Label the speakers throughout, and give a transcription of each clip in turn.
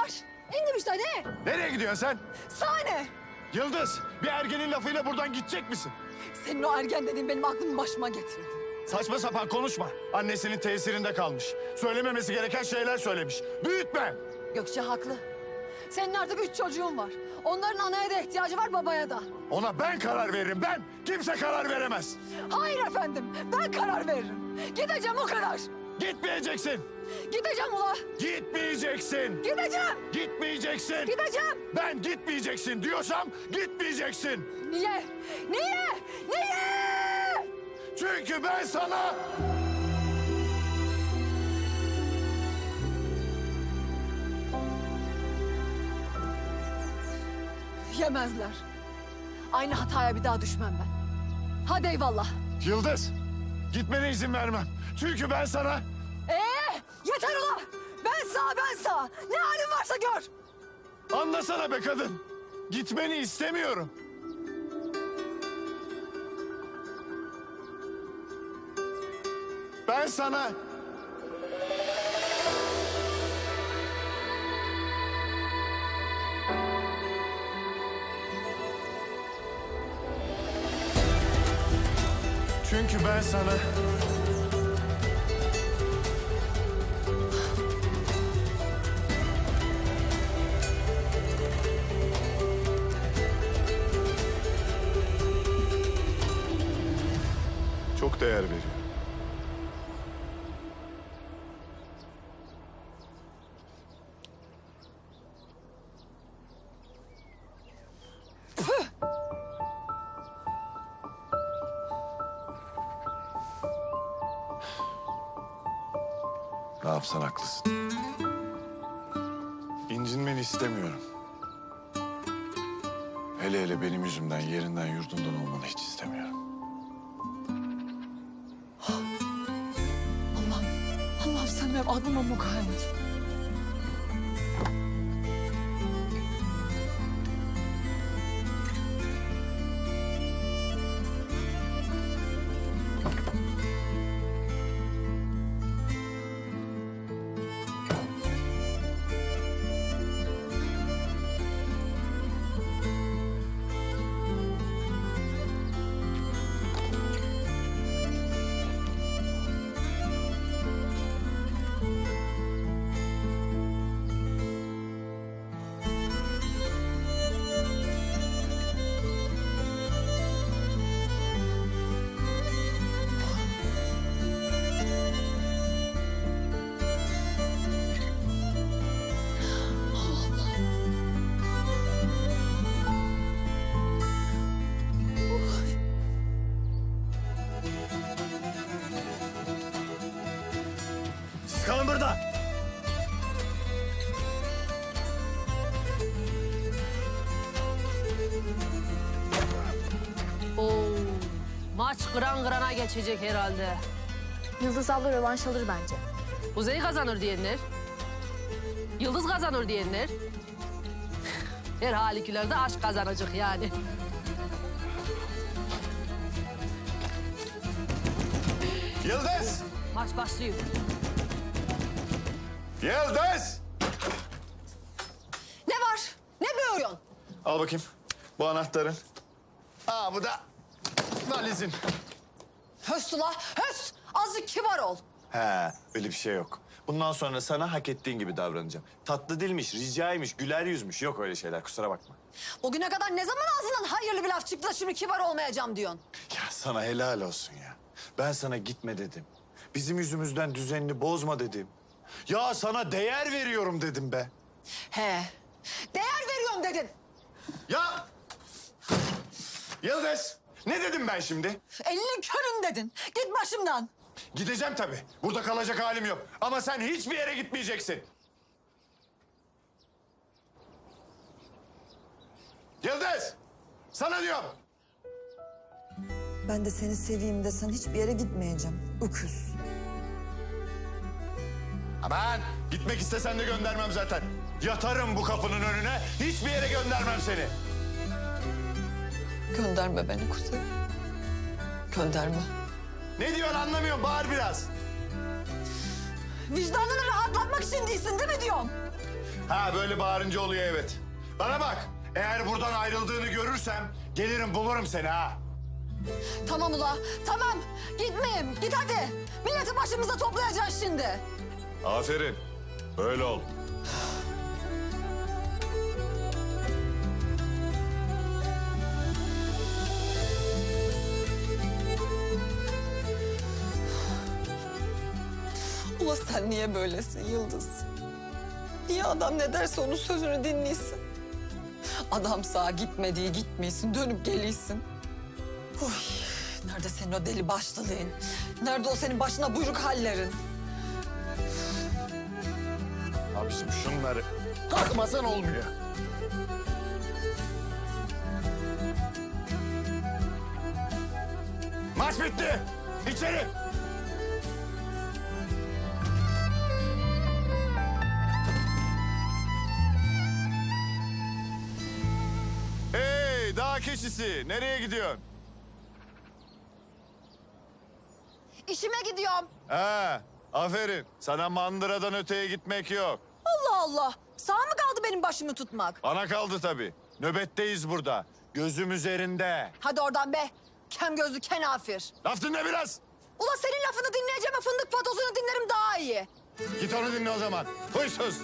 Speaker 1: var? İndim işte ne?
Speaker 2: Nereye gidiyorsun sen?
Speaker 1: Sahne.
Speaker 2: Yıldız, bir ergenin lafıyla buradan gidecek misin?
Speaker 1: Senin o ergen dediğin benim aklımı başıma getirdi.
Speaker 2: Saçma sapan konuşma. Annesinin tesirinde kalmış. Söylememesi gereken şeyler söylemiş. Büyütme.
Speaker 1: Gökçe haklı. Senin artık 3 çocuğun var. Onların anaya da ihtiyacı var, babaya da.
Speaker 2: Ona ben karar veririm, ben. Kimse karar veremez.
Speaker 1: Hayır efendim, ben karar veririm. Gideceğim o kadar.
Speaker 2: Gitmeyeceksin.
Speaker 1: Gideceğim ula.
Speaker 2: Gitmeyeceksin.
Speaker 1: Gideceğim.
Speaker 2: Gitmeyeceksin.
Speaker 1: Gideceğim.
Speaker 2: Ben gitmeyeceksin diyorsam gitmeyeceksin.
Speaker 1: Niye? Niye? Niye?
Speaker 2: Çünkü ben sana...
Speaker 1: Yemezler. Aynı hataya bir daha düşmem ben. Hadi eyvallah.
Speaker 2: Yıldız, gitmene izin vermem. Çünkü ben sana...
Speaker 1: Yeter ula. Ben sağ. Ne halin varsa gör.
Speaker 2: Anlasana be kadın. Gitmeni istemiyorum. Ben sana... Çünkü ben sana... çok değer veriyorum. Ne yapsan haklısın. İncinmeni istemiyorum. Hele hele benim yüzümden, yerinden, yurdundan olmanı hiç istemiyorum.
Speaker 1: Allah'ım sen benim aklıma mukayyet.
Speaker 2: Siz kalın burada.
Speaker 3: Oo, maç kıran kırana geçecek herhalde.
Speaker 4: Yıldız abla rövanş alır bence.
Speaker 3: Kuzey kazanır diyenler. Yıldız kazanır diyenler. Her halükülerde aşk kazanacak yani.
Speaker 2: Yıldız!
Speaker 3: Maç başlıyor.
Speaker 2: Yıldız!
Speaker 1: Ne var? Ne böğürüyorsun?
Speaker 2: Al bakayım. Bu anahtarın. Aa bu da valizin.
Speaker 1: Höst ula, höst. Azıcık kibar ol.
Speaker 2: He, öyle bir şey yok. Bundan sonra sana hak ettiğin gibi davranacağım. Tatlı dilmiş, ricaymış, güler yüzmüş. Yok öyle şeyler, kusura bakma.
Speaker 1: Bugüne kadar ne zaman ağzından hayırlı bir laf çıktı da şimdi kibar olmayacağım diyorsun?
Speaker 2: Ya sana helal olsun ya. Ben sana gitme dedim. Bizim yüzümüzden düzenini bozma dedim. Ya sana değer veriyorum dedim be.
Speaker 1: He. Değer veriyorum dedin.
Speaker 2: Ya! Yıldız, ne dedim ben şimdi?
Speaker 1: Elinin körün dedin. Git başımdan.
Speaker 2: Gideceğim tabii. Burada kalacak halim yok. Ama sen hiçbir yere gitmeyeceksin. Yıldız! Sana diyorum.
Speaker 1: Ben de seni seveyim desen hiçbir yere gitmeyeceğim. Öküz.
Speaker 2: Aman! Gitmek istesen de göndermem zaten. Yatarım bu kapının önüne. Hiçbir yere göndermem seni.
Speaker 1: Gönderme beni Kuzey. Gönderme.
Speaker 2: Ne diyorsun anlamıyorum. Bağır biraz.
Speaker 1: Vicdanını rahatlatmak için değilsin değil mi diyorum?
Speaker 2: Ha böyle bağırınca oluyor evet. Bana bak. Eğer buradan ayrıldığını görürsem gelirim bulurum seni ha.
Speaker 1: Tamam ula, tamam. Gitmeyeyim, git hadi. Milleti başımıza toplayacaksın şimdi.
Speaker 2: Aferin. Böyle ol.
Speaker 1: Ula sen niye böylesin Yıldız? Niye adam ne derse onun sözünü dinliyorsun? Adam sağa gitmediği gitmiyorsun, dönüp geliyorsun. Uy, nerede senin o deli başlılığın? Nerede o senin başına buyruk hallerin?
Speaker 2: Abiciğim şunları takmasan olmuyor. Maç bitti. İçeri. Hey dağ keçisi nereye gidiyorsun?
Speaker 1: İşime gidiyorum.
Speaker 2: Ha, aferin. Sana mandıradan öteye gitmek yok.
Speaker 1: Allah Allah. Sağ mı kaldı benim başımı tutmak?
Speaker 2: Bana kaldı tabii. Nöbetteyiz burada. Gözüm üzerinde.
Speaker 1: Hadi oradan be. Kem gözlü kenafir.
Speaker 2: Laf dinle biraz.
Speaker 1: Ula senin lafını dinleyeceğime fındık patosunu dinlerim daha iyi.
Speaker 2: Git onu dinle o zaman. Huysuz.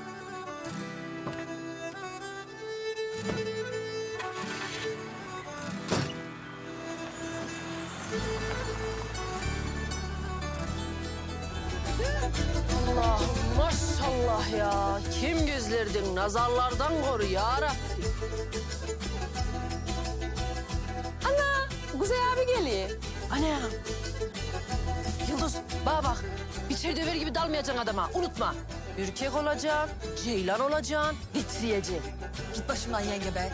Speaker 3: Allah maşallah ya. Kim gözlerdin nazarlardan koru ya Rabbi. Ana Kuzey abi geliyor. Ana. Yıldız bana bak. Biçer döver gibi dalmayacaksın adama. Unutma. Ürkek olacaksın, ceylan olacaksın, titriyeceksin.
Speaker 1: Git başımdan yenge be.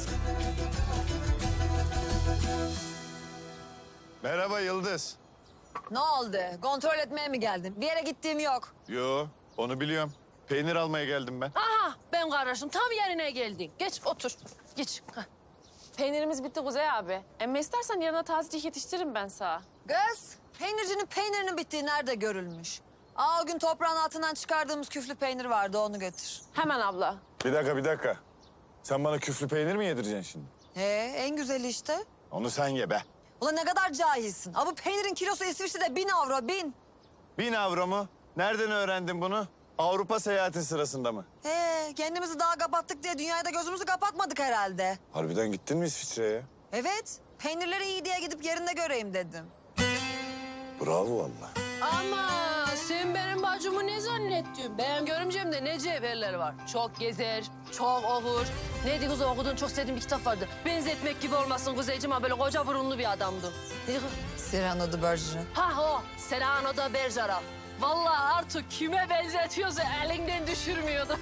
Speaker 2: Merhaba Yıldız.
Speaker 1: Ne oldu? Kontrol etmeye mi geldin? Bir yere gittiğim yok.
Speaker 2: Yo, onu biliyorum. Peynir almaya geldim ben.
Speaker 3: Aha ben kardeşim tam yerine geldin. Geç otur. Geç. Hah.
Speaker 5: Peynirimiz bitti Kuzey abi. Emme istersen yarına tazecik yetiştiririm ben sana.
Speaker 1: Kız, peynircinin peynirinin bittiği nerede görülmüş? Aa, o gün toprağın altından çıkardığımız küflü peynir vardı, onu götür.
Speaker 5: Hemen abla.
Speaker 2: Bir dakika. Sen bana küflü peynir mi yedireceksin şimdi?
Speaker 1: En güzeli işte.
Speaker 2: Onu sen ye be.
Speaker 1: Ulan ne kadar cahilsin. Aa, bu peynirin kilosu İsviçre'de 1000 avro, 1000.
Speaker 2: 1000 avro mu? Nereden öğrendin bunu? Avrupa seyahatin sırasında mı?
Speaker 1: Kendimizi daha kapattık diye dünyaya da gözümüzü kapatmadık herhalde.
Speaker 2: Harbiden gittin mi İsviçre'ye?
Speaker 1: Evet, peynirleri iyi diye gidip yerinde göreyim dedim.
Speaker 2: Bravo vallahi.
Speaker 3: Ama sen benim bacımı ne zannettin? Ben görümcemde ne cevherler var. Çok gezer, çok okur. Neydi kız okudun çok sevdiğim bir kitap vardı. Benzetmek gibi olmasın Kuzeyciğim ama böyle koca burunlu bir adamdı. Neydi kız?
Speaker 1: Cyrano de Bergerac.
Speaker 3: Ha o, Cyrano de Bergerac. Vallahi artık kime benzetiyorsa elinden düşürmüyordu.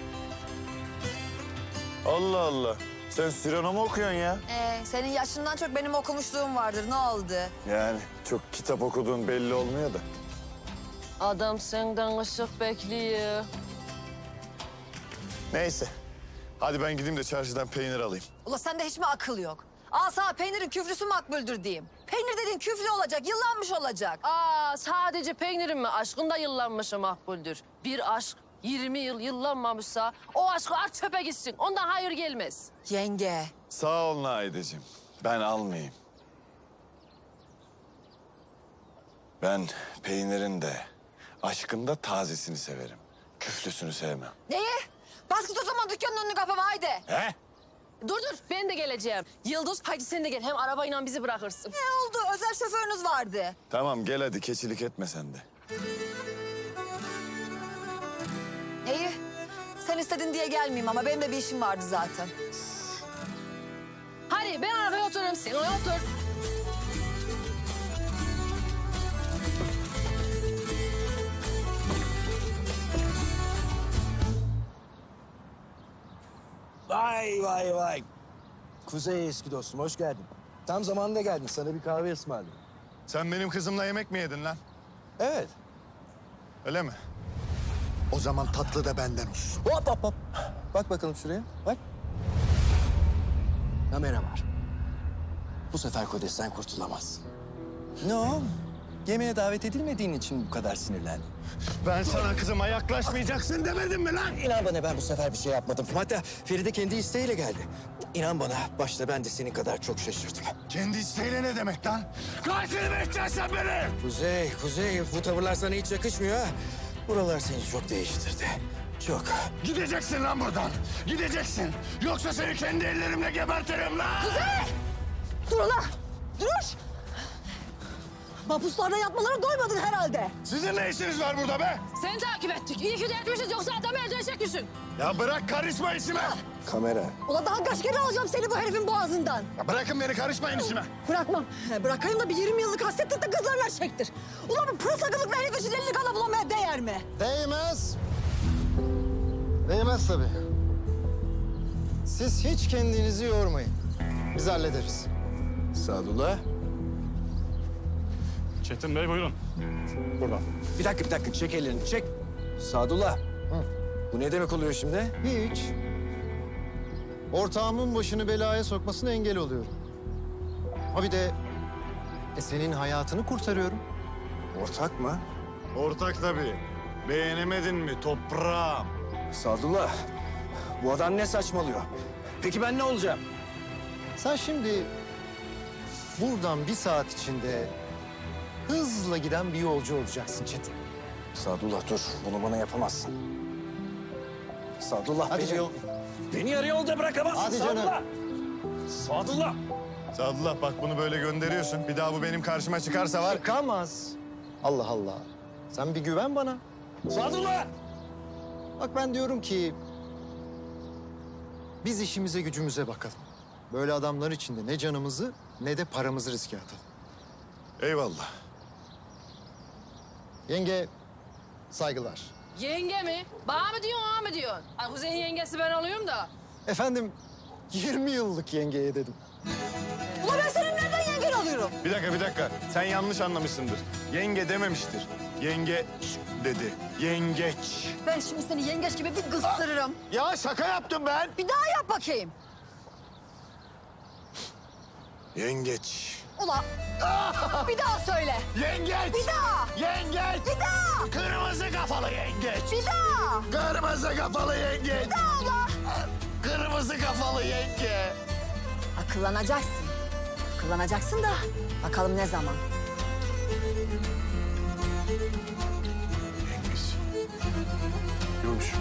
Speaker 2: Allah Allah. Sen Cyrano mu okuyorsun ya?
Speaker 1: Senin yaşından çok benim okumuşluğum vardır, ne oldu?
Speaker 2: Yani çok kitap okuduğun belli olmuyor da.
Speaker 3: Adam senden ışık bekliyor.
Speaker 2: Neyse. Hadi ben gideyim de çarşıdan peynir alayım.
Speaker 1: Ula sende hiç mi akıl yok? Al sana peynirin küflüsü makbuldür diyeyim. Peynir dediğin küflü olacak, yıllanmış olacak.
Speaker 3: Aa sadece peynirin mi? Aşkın da yıllanmışı makbuldür. Bir aşk 20 yıl yıllanmamışsa o aşkı at çöpe gitsin. Ondan hayır gelmez.
Speaker 1: Yenge.
Speaker 2: Sağ ol Naideciğim. Ben almayayım. Ben peynirin de, aşkın da tazesini severim. Küflüsünü sevmem.
Speaker 1: Neyi? Bas git o zaman dükkanın önünü kapama haydi.
Speaker 2: He?
Speaker 3: Dur ben de geleceğim. Yıldız haydi sen de gel. Hem arabayla bizi bırakırsın.
Speaker 1: Ne oldu? Özel şoförünüz vardı.
Speaker 2: Tamam gel hadi keçilik etme sen de.
Speaker 1: İyi. Sen istedin diye gelmeyeyim ama benim de bir işim vardı zaten.
Speaker 3: Hadi ben arabaya otururum. Sen oraya otur.
Speaker 6: Vay. Kuzey eski dostum, hoş geldin. Tam zamanında geldin, sana bir kahve ısmarladım.
Speaker 2: Sen benim kızımla yemek mi yedin lan?
Speaker 6: Evet.
Speaker 2: Öyle mi? O zaman tatlı da benden olsun.
Speaker 6: Hop. Bak bakalım şuraya, bak. Kamera var. Bu sefer Kodes'ten kurtulamazsın. Ne o? Yemeğe davet edilmediğin için bu kadar sinirlendim.
Speaker 2: Ben sana kızıma yaklaşmayacaksın demedim mi lan?
Speaker 6: İnan bana ben bu sefer bir şey yapmadım. Hatta Feride kendi isteğiyle geldi. İnan bana başta ben de senin kadar çok şaşırdım.
Speaker 2: Kendi isteğiyle ne demek lan? Katil mi edeceksin sen beni?
Speaker 6: Kuzey bu tavırlar sana hiç yakışmıyor ha. Buralar seni çok değiştirdi. Çok.
Speaker 2: Gideceksin lan buradan. Gideceksin. Yoksa seni kendi ellerimle gebertirim lan.
Speaker 7: Dur ulan! Dur! Mahpuslarda yatmalara doymadın herhalde.
Speaker 2: Sizin ne işiniz var burada be?
Speaker 3: Seni takip ettik. İyi ki de etmişiz yoksa adamı öldürecek misin?
Speaker 2: Ya bırak karışma işime.
Speaker 6: Kamera.
Speaker 7: Ulan daha kaç kere alacağım seni bu herifin boğazından.
Speaker 2: Ya bırakın beni karışmayın işime.
Speaker 7: Bırakmam. Bırakayım da bir 20 yıllık hasretlik de kızlarla çektir. Ulan bu pırasakılık herif için 50 kana bulamaya değer mi?
Speaker 8: Değmez. Değmez tabii. Siz hiç kendinizi yormayın. Biz hallederiz.
Speaker 6: Sadullah.
Speaker 9: Çetin Bey buyurun. Buradan.
Speaker 6: Bir dakika çek ellerini çek. Sadullah. Bu ne demek oluyor şimdi?
Speaker 8: Hiç. Ortağımın başını belaya sokmasına engel oluyorum. Ha bir de senin hayatını kurtarıyorum.
Speaker 6: Ortak mı?
Speaker 2: Ortak tabii. Beğenemedin mi toprağım?
Speaker 6: Sadullah. Bu adam ne saçmalıyor? Peki ben ne olacağım?
Speaker 8: Sen şimdi buradan bir saat içinde hızla giden bir yolcu olacaksın Çetin.
Speaker 6: Sadullah dur. Bunu bana yapamazsın. Sadullah
Speaker 8: Hadi
Speaker 6: beni...
Speaker 8: canım.
Speaker 6: Beni yarı yolda bırakamazsın
Speaker 8: Hadi canım.
Speaker 6: Sadullah. Sadullah.
Speaker 2: Sadullah bak bunu böyle gönderiyorsun. Bir daha bu benim karşıma çıkarsa var.
Speaker 8: Çıkamaz. Allah Allah. Sen bir güven bana.
Speaker 6: Sadullah.
Speaker 8: Bak ben diyorum ki biz işimize gücümüze bakalım. Böyle adamlar içinde ne canımızı ne de paramızı riske atalım.
Speaker 2: Eyvallah.
Speaker 8: Yenge saygılar.
Speaker 3: Yenge mi? Bana mı diyorsun, ona mı diyorsun? Ay Kuzey'in yengesi ben oluyorum da.
Speaker 8: Efendim 20 yıllık yengeye dedim.
Speaker 7: Ulan ben senin nereden yengen alıyorum?
Speaker 2: Bir dakika. Sen yanlış anlamışsındır. Yenge dememiştir. Yenge dedi. Yengeç.
Speaker 7: Ben şimdi seni yengeç gibi bir kıstırırım.
Speaker 2: Ya şaka yaptım ben.
Speaker 7: Bir daha yap bakayım.
Speaker 2: Yengeç.
Speaker 7: Ulan bir daha söyle.
Speaker 2: Yengeç.
Speaker 7: Bir daha.
Speaker 2: Yengeç.
Speaker 7: Bir daha.
Speaker 2: Kırmızı kafalı yengeç.
Speaker 7: Bir daha.
Speaker 2: Kırmızı kafalı yengeç.
Speaker 7: Bir daha ulan.
Speaker 2: Kırmızı kafalı yenge.
Speaker 7: Akıllanacaksın. Akıllanacaksın da bakalım ne zaman.
Speaker 2: Yengeç. Yumuş.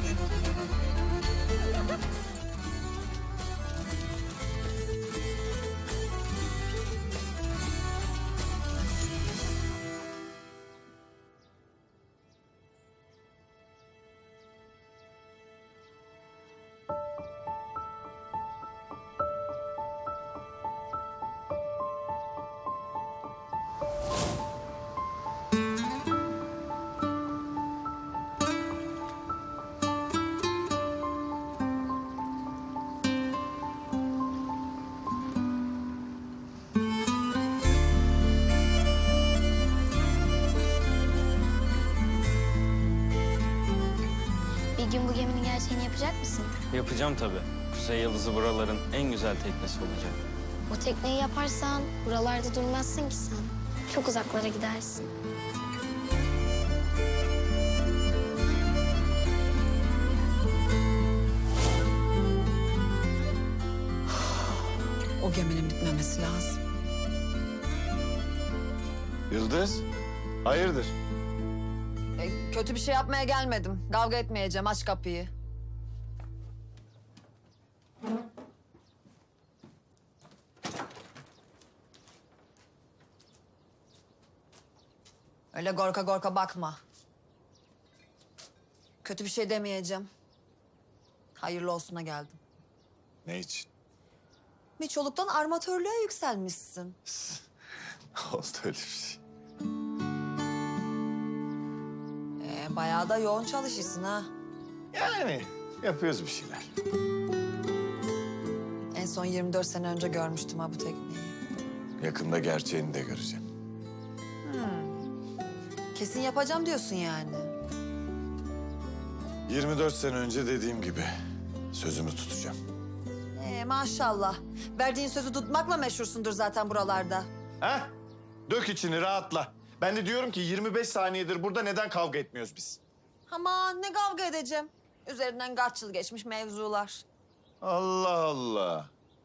Speaker 10: Bir gün bu geminin gerçeğini yapacak mısın?
Speaker 11: Yapacağım tabii. Kuzey Yıldızı buraların en güzel teknesi olacak.
Speaker 10: O tekneyi yaparsan buralarda durmazsın ki sen. Çok uzaklara gidersin.
Speaker 1: O geminin bitmemesi lazım.
Speaker 2: Yıldız. Hayırdır?
Speaker 7: Kötü bir şey yapmaya gelmedim. Kavga etmeyeceğim. Aç kapıyı. Öyle gorka gorka bakma. Kötü bir şey demeyeceğim. Hayırlı olsuna geldim.
Speaker 2: Ne için?
Speaker 7: Miçoluk'tan armatörlüğe yükselmişsin.
Speaker 2: Oldu öyle bir şey.
Speaker 7: Bayağı da yoğun çalışırsın ha.
Speaker 2: Yani yapıyoruz bir şeyler.
Speaker 7: En son 24 sene önce görmüştüm ha bu tekneyi.
Speaker 2: Yakında gerçeğini de göreceğim.
Speaker 7: Kesin yapacağım diyorsun yani.
Speaker 2: 24 sene önce dediğim gibi sözümü tutacağım.
Speaker 7: Maşallah. Verdiğin sözü tutmakla meşhursundur zaten buralarda.
Speaker 2: Ha? Dök içini rahatla. Ben de diyorum ki 25 saniyedir burada neden kavga etmiyoruz biz?
Speaker 7: Aman ne kavga edeceğim. Üzerinden kaç yıl geçmiş mevzular.
Speaker 2: Allah Allah.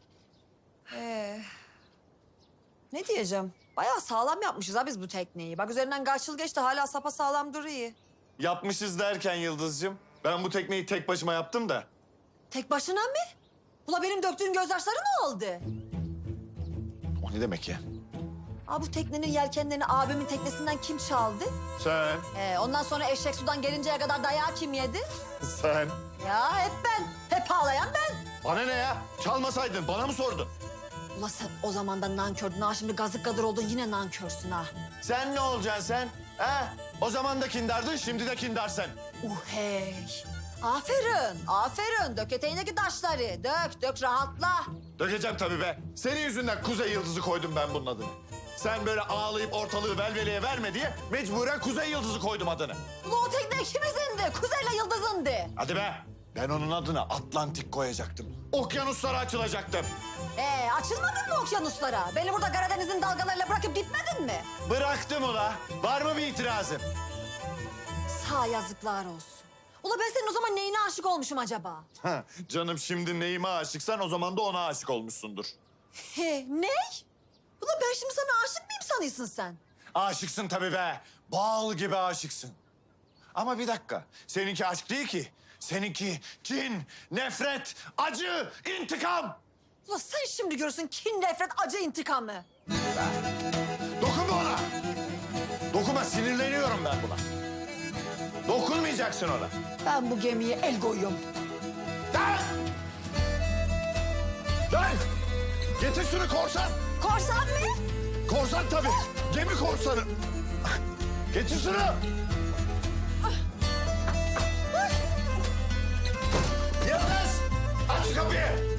Speaker 7: Ne diyeceğim? Bayağı sağlam yapmışız ha biz bu tekneyi. Bak üzerinden kaç yıl geçti hala sapasağlam duruyor.
Speaker 2: Yapmışız derken Yıldız'cığım, ben bu tekneyi tek başıma yaptım da.
Speaker 7: Tek başına mı? Ula benim döktüğüm gözyaşları ne oldu?
Speaker 2: O ne demek ya?
Speaker 7: Aa, bu teknenin yelkenlerini abimin teknesinden kim çaldı?
Speaker 2: Sen,
Speaker 7: Ondan sonra eşek sudan gelinceye kadar dayağı kim yedi?
Speaker 2: sen.
Speaker 7: Ya hep ben. Hep ağlayan ben.
Speaker 2: Bana ne ya? Çalmasaydın, bana mı sordun?
Speaker 7: Ula sen o zaman da nankördün ha. Şimdi gazık kadar oldun yine nankörsün ha.
Speaker 2: Sen ne olacaksın sen? Ha? O zaman da kindardın, şimdi de kindarsın.
Speaker 7: Hey. Aferin, aferin. Dök eteğindeki taşları. Dök rahatla.
Speaker 2: Dökeceğim tabii be. Senin yüzünden Kuzey Yıldızı koydum ben bunun adını. Sen böyle ağlayıp ortalığı velveleye verme diye mecburen Kuzey Yıldızı koydum adını.
Speaker 7: Ula o tekne ikimizindi. Kuzey'le Yıldız'ındı.
Speaker 2: Hadi be. Ben onun adına Atlantik koyacaktım. Okyanuslara açılacaktım.
Speaker 7: Açılmadın mı okyanuslara? Beni burada Karadeniz'in dalgalarıyla bırakıp gitmedin mi?
Speaker 2: Bıraktım ula. Var mı bir itirazın?
Speaker 7: Sağ yazıklar olsun. Ula ben senin o zaman neyine aşık olmuşum acaba?
Speaker 2: Canım şimdi neyime aşıksan o zaman da ona aşık olmuşsundur.
Speaker 7: Ne? Ula ben şimdi sana aşık mıyım sanıyorsun sen?
Speaker 2: Aşıksın tabii be. Bal gibi aşıksın. Ama bir dakika. Seninki aşk değil ki. Seninki kin, nefret, acı, intikam.
Speaker 7: Ula sen şimdi görürsün kin, nefret, acı, intikamı.
Speaker 2: Dokunma ona. Dokunma, sinirleniyorum ben buna. Dokunmayacaksın ona.
Speaker 7: Ben bu gemiye el koyuyorum.
Speaker 2: Lan! Lan! Getir şunu korsan.
Speaker 7: Korsan mı?
Speaker 2: Korsan tabii. Gemi korsanı. Getir şunu. Yıldız! Aç şu kapıyı.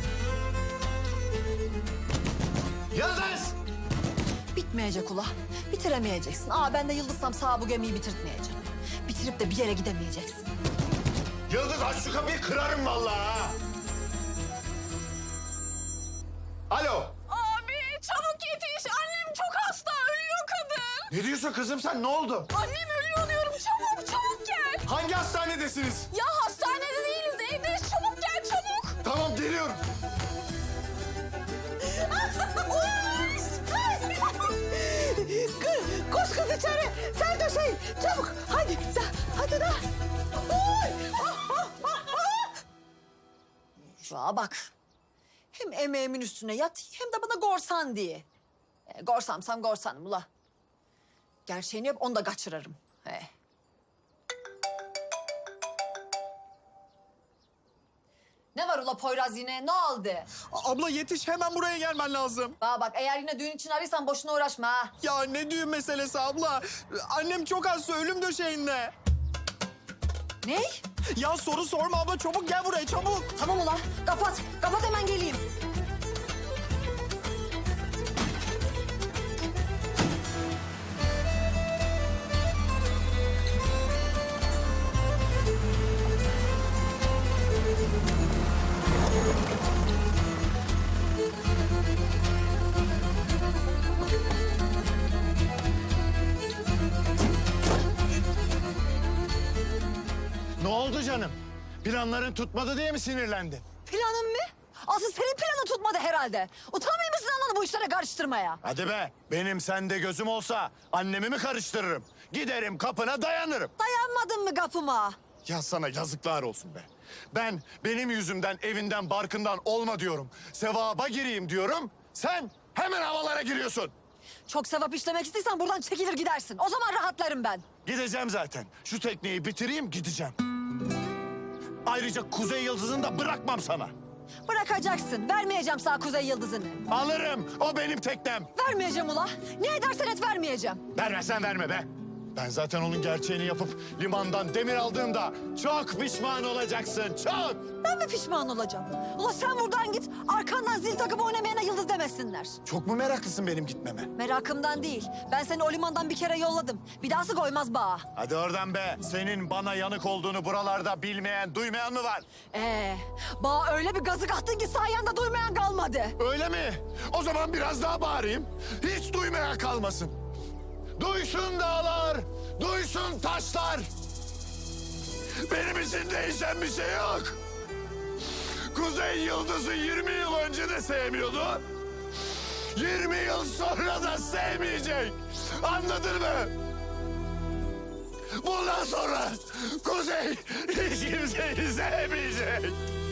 Speaker 2: Yıldız!
Speaker 7: Bitmeyecek ula. Bitiremeyeceksin. Ben de Yıldız'sam sağ bu gemiyi bitirtmeyeceğim. Bitirip de bir yere gidemeyeceksin.
Speaker 2: Yıldız aç şu kapıyı, kırarım vallahi ha. Alo.
Speaker 5: Abi çabuk yetiş. Annem çok hasta. Ölüyor kadın.
Speaker 2: Ne diyorsun kızım sen, ne oldu?
Speaker 5: Annem ölüyor diyorum. Çabuk gel.
Speaker 2: Hangi hastanedesiniz?
Speaker 5: Ya hastanede değiliz. Evdeyiz. Çabuk gel çabuk.
Speaker 2: Tamam, geliyorum.
Speaker 7: Koş kız içeri. Sen döşeyin. Çabuk. Hadi. Hadi da. Şuna bak. Hem emeğimin üstüne yat hem de bana gorsan diye. Gorsamsam gorsanım ula. Gerçeğini yap onu da kaçırırım. Ne var ula Poyraz yine? Ne oldu?
Speaker 6: Abla yetiş, hemen buraya gelmen lazım.
Speaker 7: Bak eğer yine düğün için arıyorsan boşuna uğraşma ha.
Speaker 6: Ya ne düğün meselesi abla? Annem çok hasta, ölüm döşeğinde.
Speaker 7: Ne?
Speaker 6: Ya soru sorma abla, çabuk gel buraya, çabuk.
Speaker 7: Tamam ula kapat. Kapat hemen geleyim.
Speaker 2: Ne oldu canım? Planların tutmadı diye mi sinirlendin?
Speaker 7: Planın mı? Asıl senin planın tutmadı herhalde. Utanmıyor musun ananı bu işlere karıştırmaya?
Speaker 2: Hadi be, benim sende gözüm olsa annemi mi karıştırırım? Giderim kapına dayanırım.
Speaker 7: Dayanmadın mı kapıma?
Speaker 2: Ya sana yazıklar olsun be. Benim yüzümden evinden barkından olma diyorum. Sevaba gireyim diyorum. Sen hemen havalara giriyorsun.
Speaker 7: Çok sevap işlemek istiyorsan buradan çekilir gidersin. O zaman rahatlarım ben.
Speaker 2: Gideceğim zaten. Şu tekneyi bitireyim, gideceğim. Ayrıca Kuzey Yıldızı'nı da bırakmam sana.
Speaker 7: Bırakacaksın. Vermeyeceğim sana Kuzey Yıldızı'nı.
Speaker 2: Alırım. O benim teknem.
Speaker 7: Vermeyeceğim ula. Ne edersen et vermeyeceğim.
Speaker 2: Vermezsen verme be. Ben zaten onun gerçeğini yapıp limandan demir aldığımda çok pişman olacaksın. Çok.
Speaker 7: Ben mi pişman olacağım? Ula sen buradan git. Arkandan zil takıp oynamayana Yıldız demesinler.
Speaker 2: Çok mu meraklısın benim gitmeme?
Speaker 7: Merakımdan değil. Ben seni o limandan bir kere yolladım. Bir dahası koymaz bağa.
Speaker 2: Hadi oradan be. Senin bana yanık olduğunu buralarda bilmeyen, duymayan mı var?
Speaker 7: Bağa öyle bir gazık attın ki sayende duymayan kalmadı.
Speaker 2: Öyle mi? O zaman biraz daha bağırayım. Hiç duymayan kalmasın. Duysun dağlar, duysun taşlar. Benim için değişen bir şey yok. Kuzey Yıldız'ı 20 yıl önce de sevmiyordu. 20 yıl sonra da sevmeyecek. Anladın mı? Bundan sonra Kuzey hiç kimseyi sevmeyecek.